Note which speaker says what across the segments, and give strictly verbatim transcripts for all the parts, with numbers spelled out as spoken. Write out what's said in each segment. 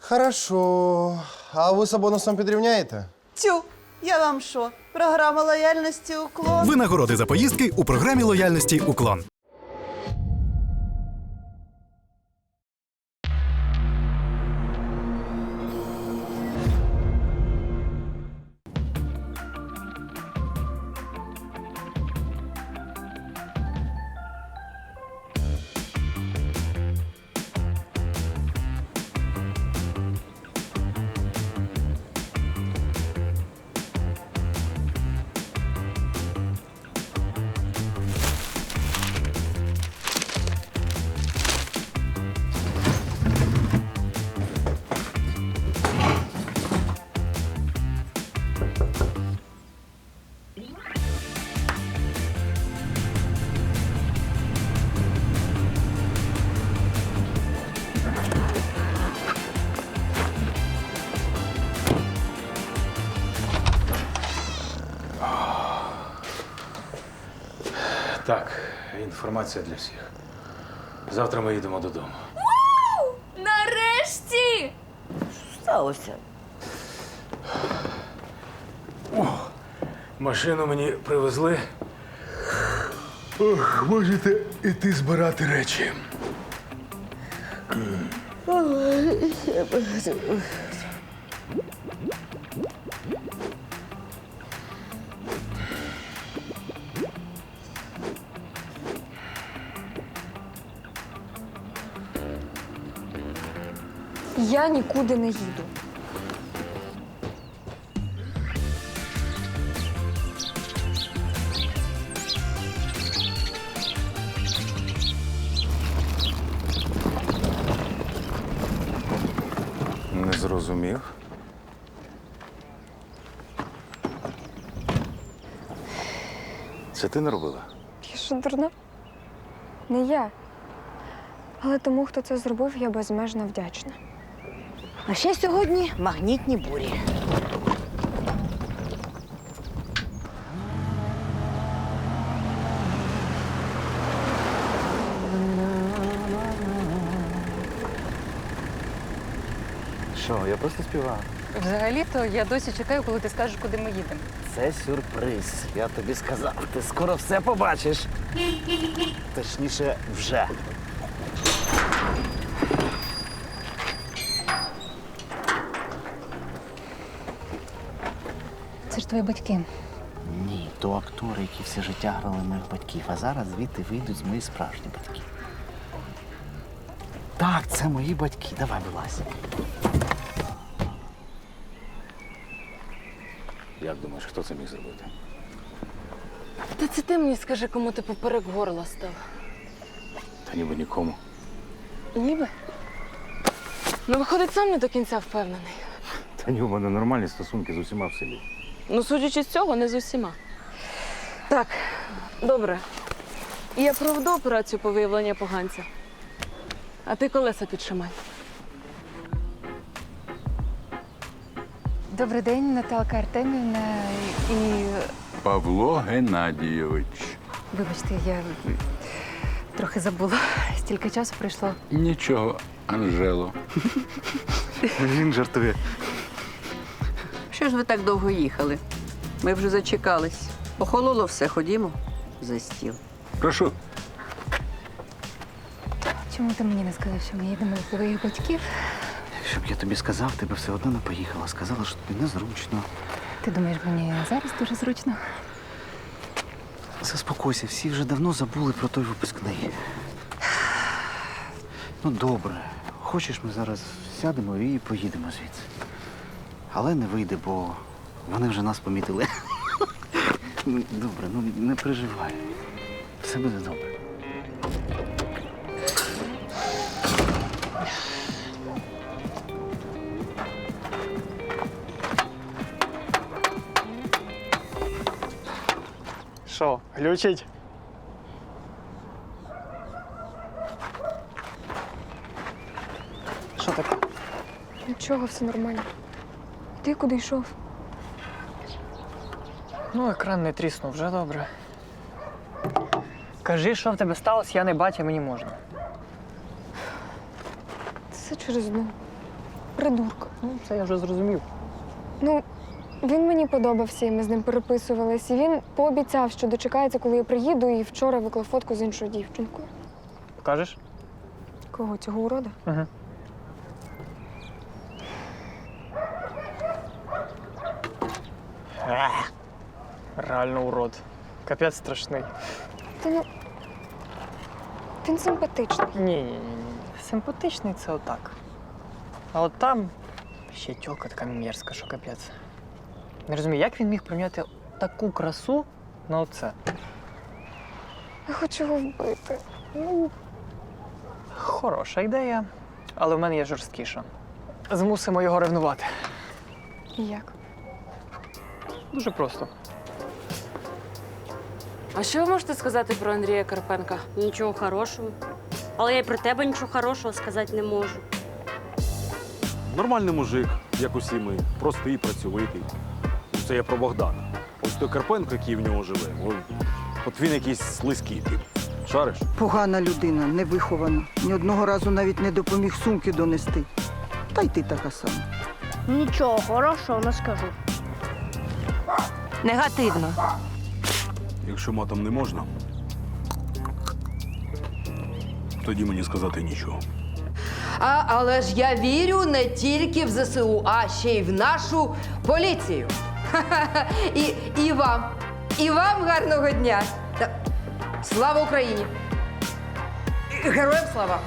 Speaker 1: Хорошо. А ви з бонусом підрівняєте?
Speaker 2: Тю, я вам що? Програма лояльності «Уклон».
Speaker 3: Винагороди за поїздки у програмі лояльності «Уклон».
Speaker 4: Так, інформація для всіх. Завтра ми їдемо додому.
Speaker 5: Вау! Нарешті!
Speaker 2: Сталося.
Speaker 4: Машину мені привезли. Ох, можете іти збирати речі.
Speaker 5: Я нікуди не їду.
Speaker 4: Не зрозумів. Це ти не робила?
Speaker 5: Я що, дурна? Не я. Але тому, хто це зробив, я безмежно вдячна.
Speaker 2: А ще сьогодні магнітні бурі.
Speaker 6: Що, я просто співаю.
Speaker 7: Взагалі-то я досі чекаю, коли ти скажеш, куди ми їдемо.
Speaker 6: Це сюрприз. Я тобі сказав, ти скоро все побачиш. Точніше, вже.
Speaker 7: Це ж твої батьки.
Speaker 6: Ні, то актори, які все життя грали моїх батьків, а зараз звідти вийдуть мої справжні батьки. Так, це мої батьки. Давай, вилазь.
Speaker 4: Як думаєш, хто це міг зробити?
Speaker 7: Та це ти мені скажи, кому ти поперек горла став.
Speaker 4: Та ніби нікому.
Speaker 7: Ніби? Ну, виходить, сам не до кінця впевнений.
Speaker 4: Та ні, у мене нормальні стосунки з усіма в селі.
Speaker 7: Ну, судячи з цього, не з усіма. Так, добре. Я проведу операцію по виявленню поганця. А ти колеса підшимай.
Speaker 8: Добрий день, Наталка Артемівна. І
Speaker 9: Павло Геннадійович.
Speaker 8: вибачте, я трохи забула. Стільки часу пройшло.
Speaker 9: Нічого, Анжело.
Speaker 6: Він жартує.
Speaker 2: Що ж ви так довго їхали? Ми вже зачекались. Охололо все, ходімо за стіл.
Speaker 9: Прошу.
Speaker 8: Чому ти мені не сказав, що ми їдемо до твоїх батьків?
Speaker 6: Щоб я тобі сказав, ти б все одно не поїхала. Сказала, що тобі незручно.
Speaker 8: Ти думаєш, мені зараз дуже зручно?
Speaker 6: Заспокойся, всі вже давно забули про той випускний. Ну, добре. Хочеш, ми зараз сядемо і поїдемо звідси. Але не вийде, бо вони вже нас помітили. Ну, добре, ну не переживай. Все буде добре.
Speaker 10: Що, глючить? Що таке?
Speaker 5: Нічого, все нормально. Ти куди йшов?
Speaker 10: Ну, екран не тріснув, вже добре. Кажи, що в тебе сталося, я не бачу, мені можна.
Speaker 5: Це через одну. придурка.
Speaker 10: Ну, це я вже зрозумів.
Speaker 5: Ну, він мені подобався, і ми з ним переписувались. І він пообіцяв, що дочекається, коли я приїду, і вчора виклав фотку з іншою дівчинкою.
Speaker 10: Покажеш?
Speaker 5: Кого, цього урода?
Speaker 10: Угу. Ех, реально урод. Капець страшний.
Speaker 5: Та ну. Він симпатичний.
Speaker 10: Ні, ні, ні, ні. Симпатичний це отак. А от там ще тьока така мерзка, що капець. Не розумію, як він міг прийняти таку красу на оце?
Speaker 5: Я хочу його вбити. Ну,
Speaker 10: Хороша ідея, але в мене є жорсткіша. Змусимо його ревнувати.
Speaker 5: як?
Speaker 10: Дуже просто.
Speaker 7: А що ви можете сказати про Андрія Карпенка?
Speaker 11: Нічого хорошого. Але я й про тебе нічого хорошого сказати не можу.
Speaker 12: Нормальний мужик, як усі ми, простий, працьовитий. Це я про Богдана. Ось той Карпенко, який в нього живе, от, от він якийсь слизький тип. Шариш?
Speaker 13: Погана людина, невихована. Ні одного разу навіть не допоміг сумки донести. Та й ти така сама.
Speaker 11: Нічого хорошого не скажу.
Speaker 7: Негативно.
Speaker 12: Якщо матом не можна, тоді мені сказати нічого.
Speaker 2: А, але ж я вірю не тільки в ЗСУ, а ще й в нашу поліцію. І, і вам. І вам гарного дня. Та, слава Україні! І героям слава!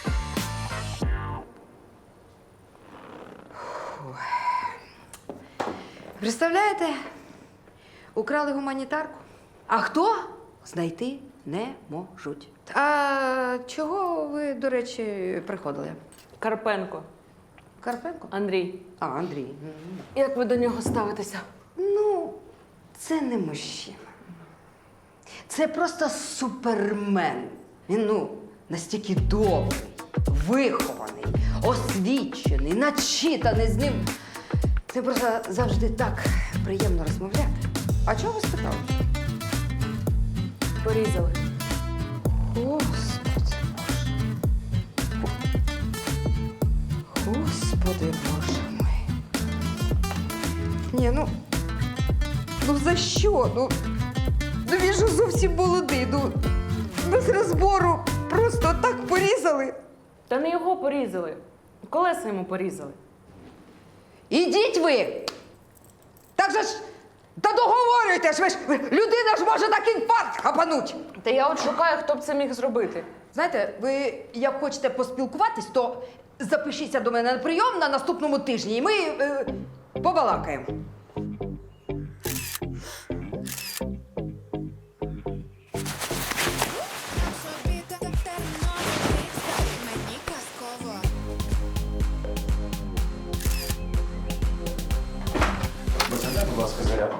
Speaker 2: Фух. Представляєте, украли гуманітарку. А хто? Знайти не можуть. А чого ви, до речі, приходили?
Speaker 7: Карпенко.
Speaker 2: Карпенко?
Speaker 7: Андрій.
Speaker 2: А, Андрій.
Speaker 7: Як ви до нього ставитеся?
Speaker 2: Ну, це не мужчина. Це просто супермен. Він, ну, настільки добрий, вихований, освічений, начитаний з ним. Це просто завжди так приємно розмовляти. А чого ви спитали?
Speaker 7: Порізали.
Speaker 2: Господи Боже. Господи Боже мой. Ні, ну. Ну за що? Ну, ну він же зовсім молодий. Ну, без розбору просто так порізали.
Speaker 7: Та не його порізали. Колеса йому порізали.
Speaker 2: Ідіть ви! Так же ж. Та договорюйте ж ви ж! Людина ж може так інфаркт хапануть!
Speaker 7: Та я от шукаю, хто б це міг зробити.
Speaker 2: Знаєте, ви як хочете поспілкуватись, то запишіться до мене на прийом на наступному тижні, і ми е, побалакаємо.
Speaker 4: Бажання, будь ласка, зарядку.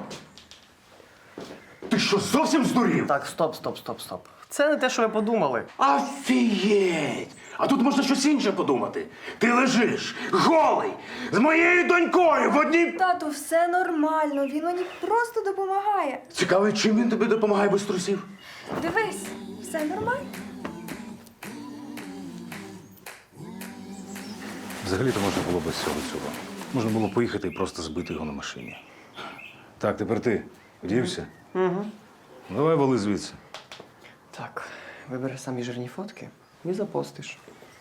Speaker 1: Ти що, зовсім здурів?
Speaker 10: Так, стоп, стоп, стоп, стоп. Це не те, що ви подумали.
Speaker 1: Офігеть! А тут можна щось інше подумати. Ти лежиш голий з моєю донькою в одній.
Speaker 5: Тату, все нормально. Він мені просто допомагає.
Speaker 1: Цікаво, чим він тобі допомагає без трусів?
Speaker 5: Дивись, все нормально.
Speaker 4: Взагалі-то можна було без цього цього. Можна було поїхати і просто збити його на машині. Так, тепер ти вдівся?
Speaker 10: Угу.
Speaker 4: Ну, давай вали звідси.
Speaker 10: Так, вибери самі жирні фотки і запостиш.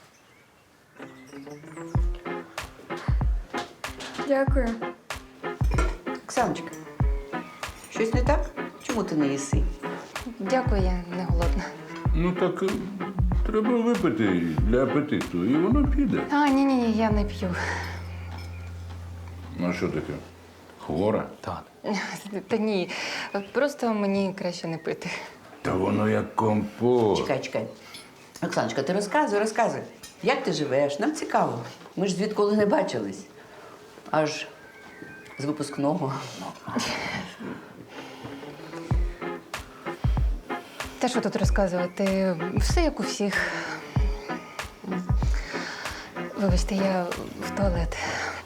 Speaker 5: Дякую.
Speaker 2: Оксаночка, щось не так? Чому ти не їси?
Speaker 8: Дякую, я не голодна.
Speaker 9: Ну так е, треба випити для апетиту, і воно піде.
Speaker 8: А, ні, ні, ні, я не п'ю.
Speaker 9: Ну а що таке? Хвора?
Speaker 10: Так.
Speaker 8: Та ні, просто мені краще не пити.
Speaker 9: Та воно як компот.
Speaker 2: Чекай, чекай. Оксаночка, ти розказуй, розказуй. Як ти живеш? Нам цікаво. Ми ж звідколи не бачились. Аж з випускного.
Speaker 8: Та що тут розказувати? Все як у всіх. Вибачте, я в туалет.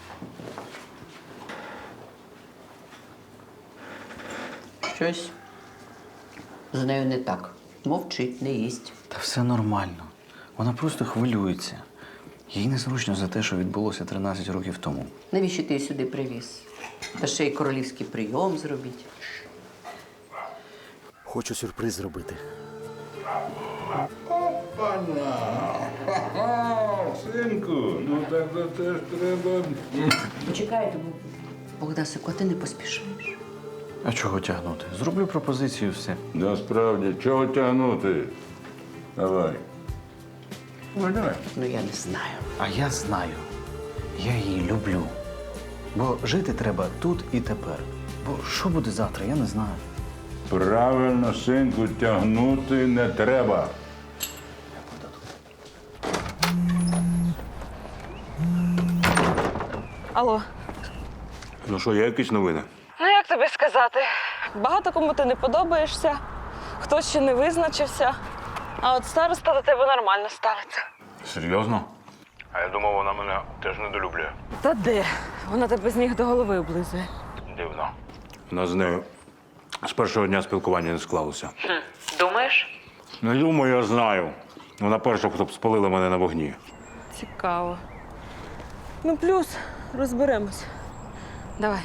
Speaker 2: Щось з нею не так. Мовчить, не їсть.
Speaker 6: Та все нормально. Вона просто хвилюється. Їй незручно за те, що відбулося тринадцять років тому.
Speaker 14: Навіщо ти її сюди привіз? Та ще й королівський прийом зробіть.
Speaker 6: Хочу сюрприз зробити.
Speaker 9: Опана! Синку, ну так то теж треба.
Speaker 14: Чекайте, Богдасику, а ти не поспішаєш.
Speaker 6: А чого тягнути? Зроблю пропозицію, все.
Speaker 9: Насправді, чого тягнути? Давай. Ну, давай.
Speaker 14: Ну, я не знаю.
Speaker 6: А я знаю. Я її люблю. Бо жити треба тут і тепер. Бо що буде завтра, я не знаю.
Speaker 9: Правильно, синку, тягнути не треба.
Speaker 7: Алло.
Speaker 12: Ну що, є якісь новини?
Speaker 7: Ну як тобі сказати? Багато кому ти не подобаєшся, хтось ще не визначився, а от староста до тебе нормально ставиться.
Speaker 12: Серйозно? А я думав, вона мене теж недолюблює.
Speaker 7: Та де? Вона тебе з ніг до голови облизує.
Speaker 12: Дивно. У нас з нею з першого дня спілкування не склалося.
Speaker 7: Думаєш?
Speaker 12: Не думаю, я знаю. Вона перша, хто б спалила мене на вогні.
Speaker 7: Цікаво. Ну, плюс розберемось. Давай.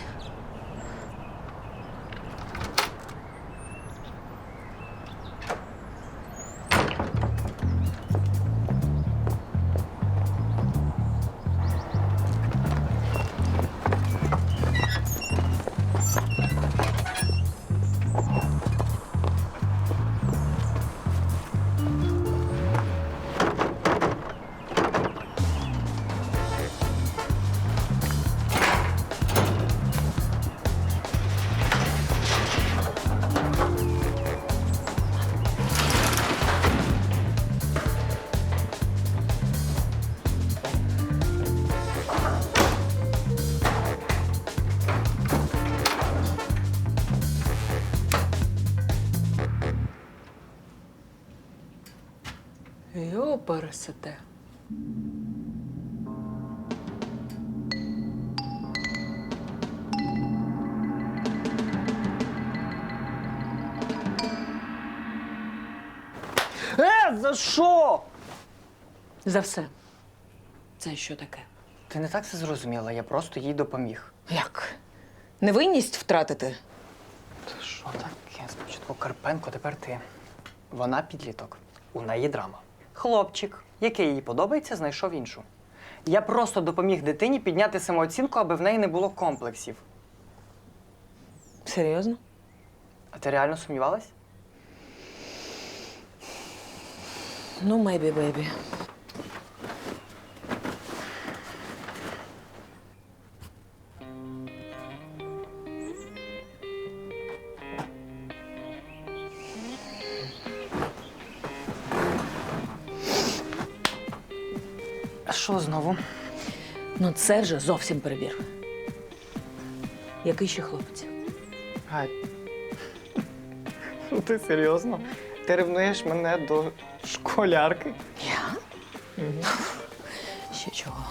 Speaker 7: Йо, пересете.
Speaker 10: Е, за що?
Speaker 7: За все. Це що таке?
Speaker 10: Ти не так це зрозуміла, я просто їй допоміг.
Speaker 7: Як? Невинність втратити?
Speaker 10: Та що таке? Спочатку Карпенко, тепер ти. Вона підліток. У неї драма. Хлопчик, який їй подобається, знайшов іншу. Я просто допоміг дитині підняти самооцінку, аби в неї не було комплексів.
Speaker 7: Серйозно?
Speaker 10: А ти реально сумнівалась?
Speaker 7: Ну, мейбі, бейбі.
Speaker 10: А що знову?
Speaker 7: Ну, це вже зовсім перебір. Який ще хлопець?
Speaker 10: Гай. Ну ти серйозно? Ти ревнуєш мене до школярки?
Speaker 7: Я? Угу. Ще чого?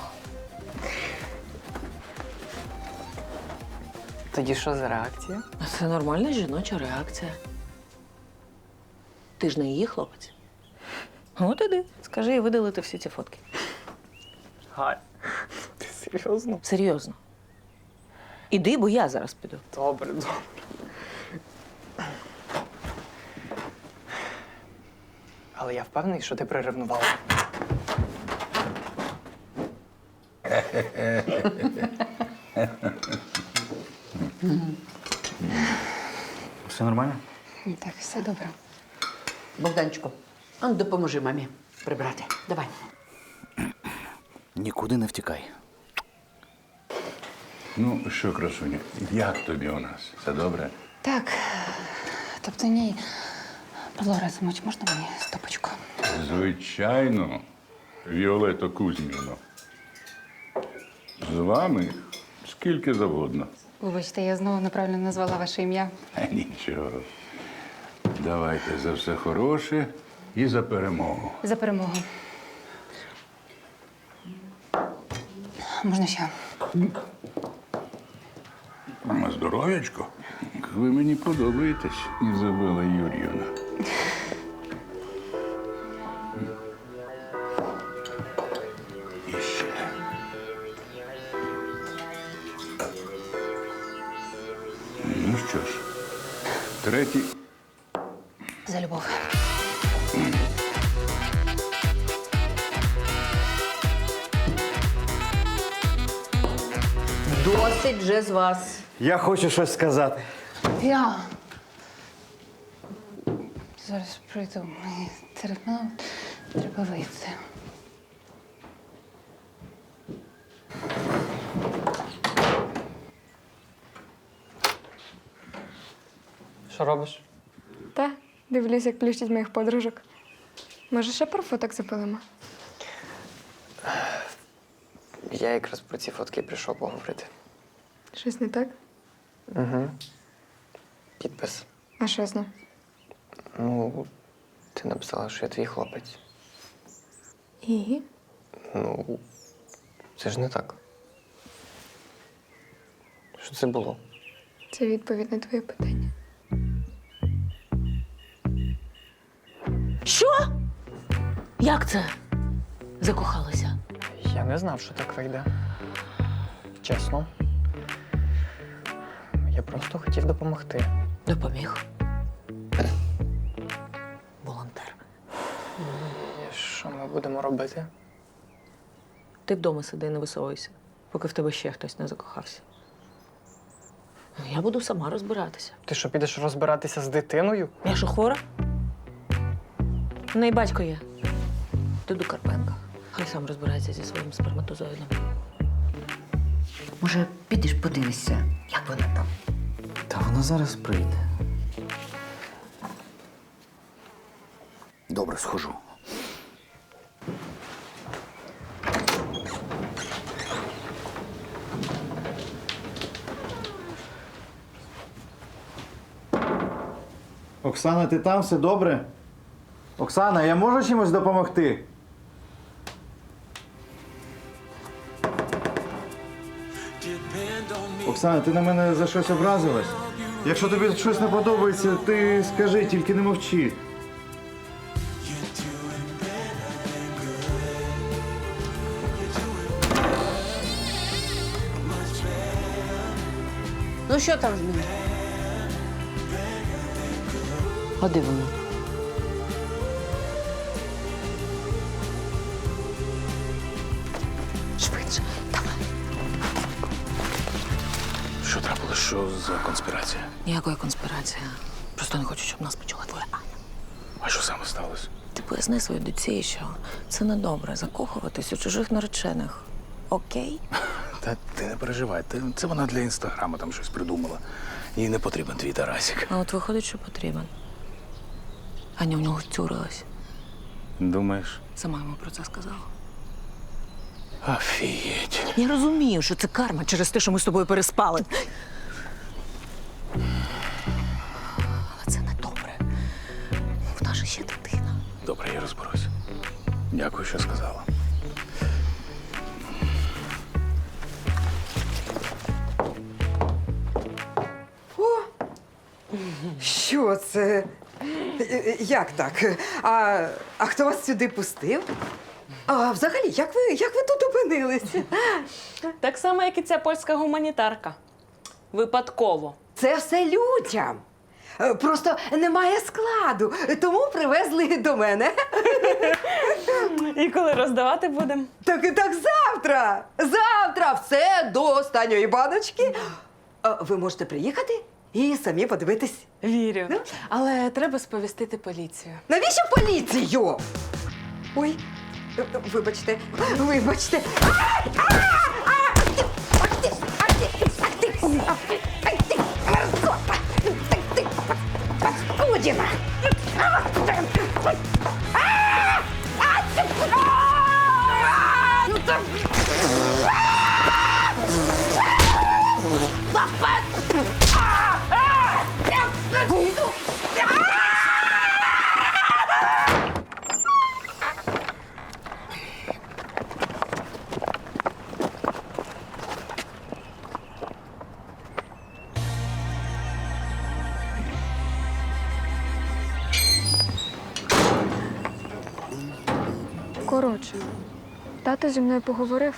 Speaker 10: Тоді що за реакція?
Speaker 7: Це нормальна жіноча реакція. Ти ж не її хлопець. От іди, скажи їй видалити всі ці фотки.
Speaker 10: Гай, ти серйозно?
Speaker 7: Серйозно. Іди, бо я зараз піду.
Speaker 10: Добре, добре. Але я впевнений, що ти приревнувала.
Speaker 6: Все нормально?
Speaker 14: Так, все добре. Богданчику, а ну допоможи мамі прибрати. Давай.
Speaker 6: Нікуди не втікай.
Speaker 9: Ну що, красуня, як тобі у нас? Все добре?
Speaker 8: Так. Тобто ні. Павло Разумович, можна мені стопочку?
Speaker 9: Звичайно, Віолетто Кузьміно. З вами скільки завгодно.
Speaker 8: Вибачте, я знову неправильно назвала ваше ім'я.
Speaker 9: А нічого. Давайте за все хороше і за перемогу.
Speaker 8: За перемогу. Можна ще?
Speaker 9: На здоров'ячко. Ви мені подобаєтесь, Ізабела Юр'ївна. І Третій.
Speaker 8: За любов.
Speaker 2: Досить вже з вас.
Speaker 6: Я хочу щось сказати.
Speaker 8: Я. Зараз прийду. Мені терміново треба вийти.
Speaker 10: Що робиш?
Speaker 5: Та, дивлюсь, як плющить моїх подружок. Може, ще про фоток запилимо?
Speaker 10: Я якраз про ці фотки прийшов поговорити.
Speaker 5: Щось не так?
Speaker 10: Угу. Підпис.
Speaker 5: А що з ним?
Speaker 10: Ну, ти написала, що я твій хлопець.
Speaker 5: І?
Speaker 10: Ну, це ж не так. Що це було?
Speaker 5: Це відповідь на твоє питання.
Speaker 8: Що? Як це? Закохалася?
Speaker 10: Я не знав, що так вийде. Чесно. Я просто хотів допомогти.
Speaker 8: Допоміг. Волонтер.
Speaker 10: І що ми будемо робити?
Speaker 7: Ти вдома сиди, не висовуйся, поки в тебе ще хтось не закохався.
Speaker 8: Ну, я буду сама розбиратися.
Speaker 10: Ти що, підеш розбиратися з дитиною?
Speaker 7: Я що, хвора? У неї батько є. Ти до Карпенка. Хай сам розбирається зі своїм сперматозоїдом.
Speaker 14: Може, підеш подивишся, як вона там?
Speaker 6: Та вона зараз прийде. Добре, схожу.
Speaker 15: Оксана, ти там? Все добре? Оксана, я можу чимось допомогти? Оксана, ти на мене за щось образилась? Якщо тобі щось не подобається, ти скажи, тільки не мовчи.
Speaker 11: Ну що там з ним?
Speaker 8: А де вона? Швидше, давай.
Speaker 4: Що трапилось? Що за конспірація?
Speaker 8: Ніякої конспірації. Просто не хочу, щоб нас почула твоя Аня.
Speaker 4: А що саме сталося?
Speaker 8: Ти поясни своїй доці, що це недобре закохуватись у чужих наречених. Окей?
Speaker 4: Та ти не переживай, ти- це вона для інстаграму там щось придумала. Їй не потрібен твій Тарасик.
Speaker 8: А от виходить, що потрібен. Аня в нього втюрилась.
Speaker 4: Думаєш?
Speaker 8: Сама йому про це сказала.
Speaker 4: Офігеть.
Speaker 8: Я розумію, що це карма через те, що ми з тобою переспали. Але це не добре. В нас же ще дитина.
Speaker 4: Добре, я розберусь. Дякую, що сказала.
Speaker 2: Що це? Як так? А, а хто вас сюди пустив? А взагалі, як ви, як ви тут опинилися?
Speaker 7: Так само, як і ця польська гуманітарка. Випадково.
Speaker 2: Це все людям. Е, Просто немає складу, тому привезли до мене.
Speaker 7: І коли роздавати будемо?
Speaker 2: Так, так завтра! Завтра все до останньої баночки. Е, Ви можете приїхати і самі подивитись.
Speaker 7: Вірю. Але треба сповістити поліцію.
Speaker 2: Навіщо поліцію? Ой, е, е, вибачте, вибачте. Ай! А! А! Ти! Ах ти! Ах ти! Ах ти! Ах ти! Ах ти! Мерзота! Ах ти! Паскудіна! А! А! А! Ну так!
Speaker 5: Коротше, тато зі мною поговорив,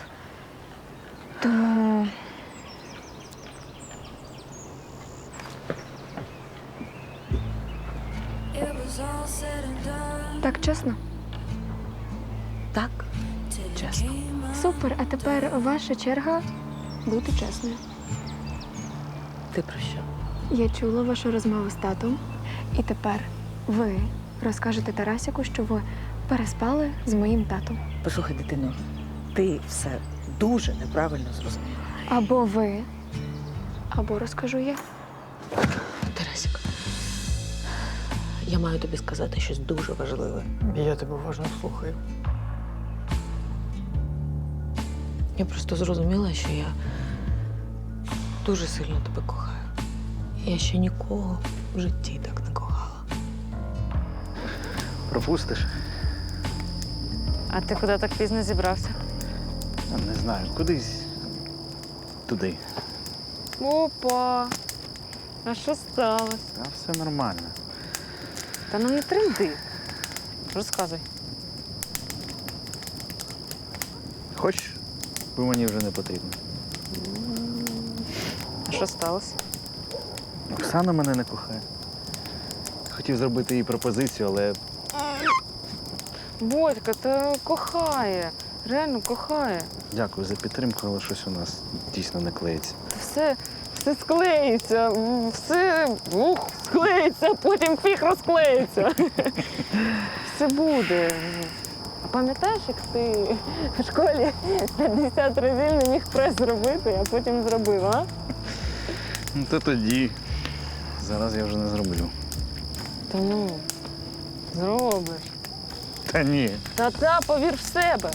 Speaker 5: тому Так чесно?
Speaker 7: Так, чесно.
Speaker 5: Супер, а тепер ваша черга бути чесною.
Speaker 7: Ти про що?
Speaker 5: Я чула вашу розмову з татом, і тепер ви розкажете Тарасику, що ви переспали з моїм татом.
Speaker 7: Послухай, дитино, ти все дуже неправильно зрозуміла.
Speaker 5: Або ви, або розкажу я.
Speaker 7: Тарасик, я маю тобі сказати щось дуже важливе.
Speaker 10: Я тебе уважно слухаю.
Speaker 7: Я просто зрозуміла, що я дуже сильно тебе кохаю. Я ще нікого в житті так не кохала.
Speaker 6: Пропустиш?
Speaker 7: А ти куди так пізно зібрався?
Speaker 6: Не знаю, кудись туди.
Speaker 7: Опа! А що сталося?
Speaker 6: А все нормально.
Speaker 7: Та ну не тренди. Розказуй.
Speaker 6: Хочеш, бо мені вже не потрібно.
Speaker 7: А що сталося?
Speaker 6: Оксана мене не кохає. Хотів зробити їй пропозицію, але
Speaker 7: Бодька, та кохає. Реально кохає.
Speaker 6: дякую за підтримку, але щось у нас дійсно не клеїться.
Speaker 7: Все, все склеїться, все ух, склеїться, а потім фіг розклеїться. Все буде. А пам'ятаєш, як ти в школі п'ятдесят разів не міг прес зробити, а потім зробив, а?
Speaker 6: Ну, то тоді. Зараз я вже не зроблю.
Speaker 7: Та ну, зробиш.
Speaker 6: Та ні.
Speaker 7: Та-та, повір в себе.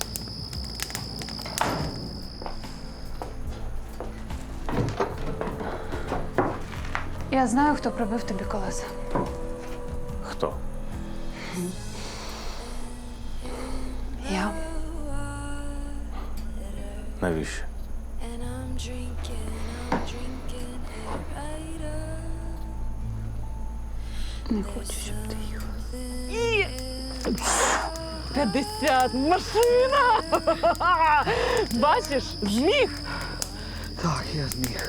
Speaker 8: Я знаю, хто пробив тобі колеса.
Speaker 4: Хто?
Speaker 8: Я.
Speaker 4: Навіщо?
Speaker 8: Не хочу, щоб ти їхав.
Speaker 7: І... п'ятдесят! Машина! Бачиш, зміг!
Speaker 6: Так, я зміг.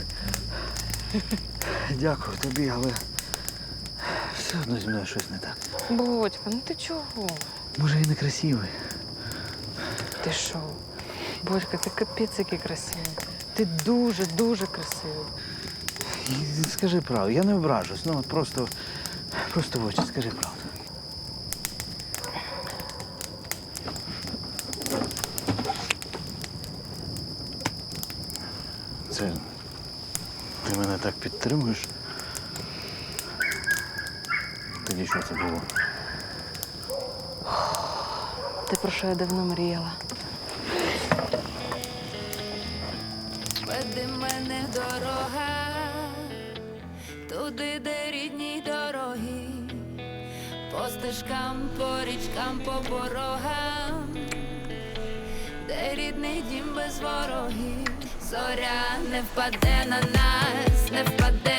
Speaker 6: Дякую тобі, але все одно зі мною щось не так.
Speaker 7: Бодька, ну ти чого?
Speaker 6: Може, я не красивий.
Speaker 7: Ти що? Бодька, ти капець який красивий. Ти дуже-дуже красивий.
Speaker 6: І скажи правду, я не ображусь, ну от просто, просто в очі скажи правду. Це ти мене так підтримуєш? Тоді що це було?
Speaker 7: Те, про що я давно мріяла.
Speaker 16: Веди мене дорога, туди, де рідні дороги, по стежкам, по річкам, по порогам, де рідний дім без ворогів. Зоря не впаде на нас, не впаде